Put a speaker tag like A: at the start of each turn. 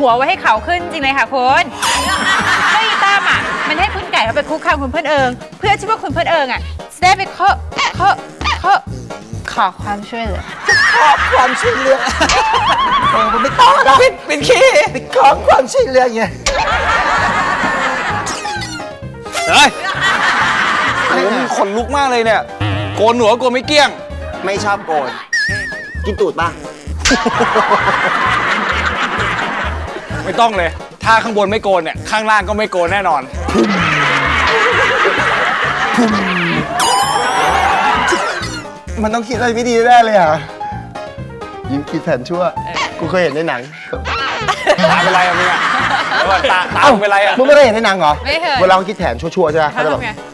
A: หัวไว้ให้เขาขึ้นจริงเลยค่ะคุณเรื่องอีตั้มอ่ะมันให้คุณไก่เขาไปคุกคามคุณเพื่อนเอิงเพื่อที่ว่าคุณเพื่อนเอิงอ่ะจะได้ไปขอความช่วยเหลือ
B: ขอความช่วยเหลือมันไม่ต้องนะเป็นขี้ไปขอความช่วยเหลือไง
C: เฮ้ยโอ้โหมึงขนลุกมากเลยเนี่ยโกนหนวดโกนไม่เกลี้ยง
B: ไม่ชอบโกนกินตูดป่ะ
C: ไม่ต้องเลยถ้าข้างบนไม่โกนเนี่ยข้างล่างก็ไม่โกนแน่นอน
B: มันต้องคิดอะไรไม่ดีแน่เลยอ่ะยิ้มคิดแผนชั่วกูเคยเห็นในหนัง
C: ตาเป็นไรอะมึงอะตาเป็นไรอะ
B: มึงไม่ได้เห็นในหนังเหรอ
A: ไม่เคย
B: เวลาเขาคิดแผนชั่วๆใช่ไหมเขาจะแบบ
A: ทำไง